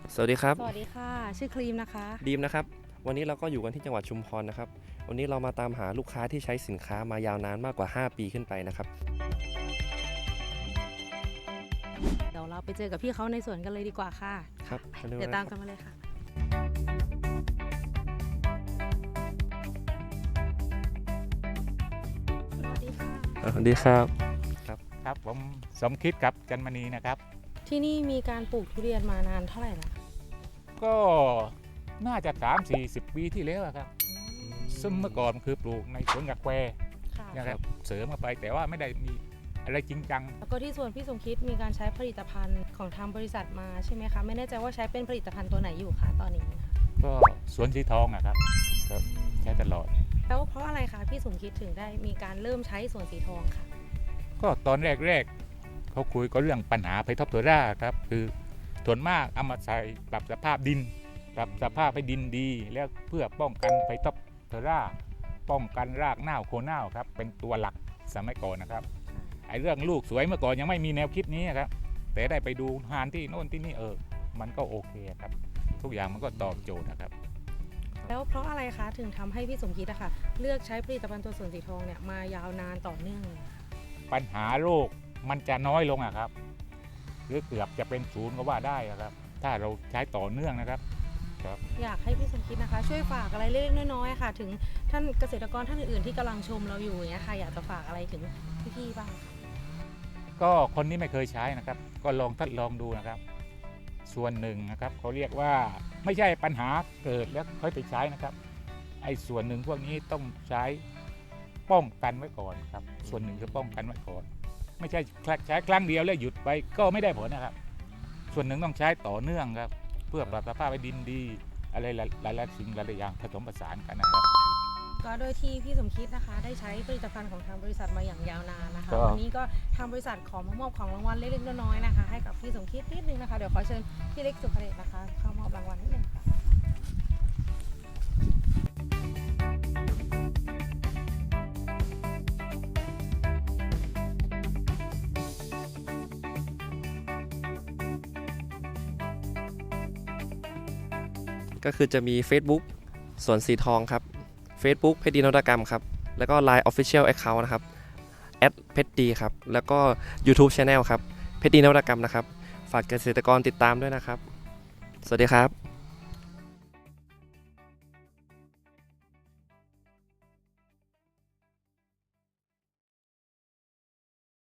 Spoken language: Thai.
สวัสดีครับสวัสดีค่ะชื่อครีมนะคะดีมนะครับวันนี้เราก็อยู่กันที่จังหวัดชุมพรนะครับวันนี้เรามาตามหาลูกค้าที่ใช้สินค้ามายาวนานมากกว่า5ปีขึ้นไปนะครับเดี๋ยวเราไปเจอกับพี่เขาในสวนกันเลยดีกว่าค่ะครับเดี๋ยวตามกันมาเลยค่ะสวัสดีค่ะสวัสดีครับครับผมสมคิดครับจันมณีนะครับที่นี่มีการปลูกทุเรียนมานานเท่าไหร่แล้วก็น่าจะ30-40 ปีที่แล้วอะครับซึ่งเมื่อก่อนคือปลูกในสวนกาแฟค่ะนะครับเสริมเข้าไปแต่ว่าไม่ได้มีอะไรจริงจังแล้วก็ที่สวนพี่สมคิดมีการใช้ผลิตภัณฑ์ของทางบริษัทมาใช่ไหมคะไม่แน่ใจว่าใช้เป็นผลิตภัณฑ์ตัวไหนอยู่คะตอนนี้ค่ะก็สวนสีทองอะครับครับใช้ตลอดแล้วเพราะอะไรคะพี่สมคิดถึงได้มีการเริ่มใช้สวนสีทองค่ะก็ตอนแรกๆเขาคุยก็เรื่องปัญหาไพท็อปโทราครับคือส่วนมากเอามาใส่ปรับสภาพดินปรับสภาพให้ดินดีแล้วเพื่อป้องกันไพท็อปโทราป้องกันรากเน่าโคนเน่าครับเป็นตัวหลักสมัยก่อนนะครับไอ้เรื่องลูกสวยเมื่อก่อนยังไม่มีแนวคิดนี้ครับแต่ได้ไปดูงานที่โน่นที่นี่มันก็โอเคครับทุกอย่างมันก็ตอบโจทย์นะครับแล้วเพราะอะไรคะถึงทำให้พี่สมคิดอะค่ะเลือกใช้ผลิตภัณฑ์ตัวสวนสีทองเนี่ยมายาวนานต่อเนื่องเลยค่ะปัญหาโรคมันจะน้อยลงอะครับหรือเกือบจะเป็นศูนย์ก็ว่าได้อะครับถ้าเราใช้ต่อเนื่องนะครับอยากให้พี่สมคิดนะคะช่วยฝากอะไรเล็กๆน้อยๆค่ะถึงท่านเกษตรกรท่านอื่นๆที่กำลังชมเราอยู่อย่างเงี้ยค่ะอยากจะฝากอะไรถึงพี่ๆบ้างค่ะก็คนที่ไม่เคยใช้นะครับ ก็ลองทดลองดูนะครับ ส่วนหนึ่งนะครับเขาเรียกว่าไม่ใช่ปัญหาเกิดแล้วค่อยไปใช้นะครับไอ้ส่วนหนึ่งพวกนี้ต้องใช้ป้องกันไว้ก่อนครับส่วนหนึ่งคือป้องกันไว้ก่อนไม่ใช่ใช้ครั้งเดียวแล้วหยุดไปก็ไม่ได้ผลนะครับ ส่วนหนึ่งต้องใช้ต่อเนื่องครับเพื่อปรับสภาพให้ดินดีอะไรหลายๆสิ่งหลายๆอย่างผสมผสานกันนะครับก็โดยที่พี่สมคิดนะคะได้ใช้ผลิตภัณฑ์ของทางบริษัทมาอย่างยาวนานนะคะก็วันนี้ก็ทางบริษัทขอมามอบของรางวัลเล็กๆน้อยๆนะคะให้กับพี่สมคิดนิดนึงนะคะเดี๋ยวขอเชิญพี่เล็กสุภเดชนะคะเข้ามอบรางวัลนิดนึงค่ะก็คือจะมี Facebook สวนสีทองครับ Facebook เพชรดีนวัตกรรมครับแล้วก็ Line Official Account นะครับเพชรดีครับแล้วก็ YouTube Channel ครับเพชรดีนวัตกรรมนะครับฝากเกษตรกรติดตามด้วยนะครับสวัสดีครับ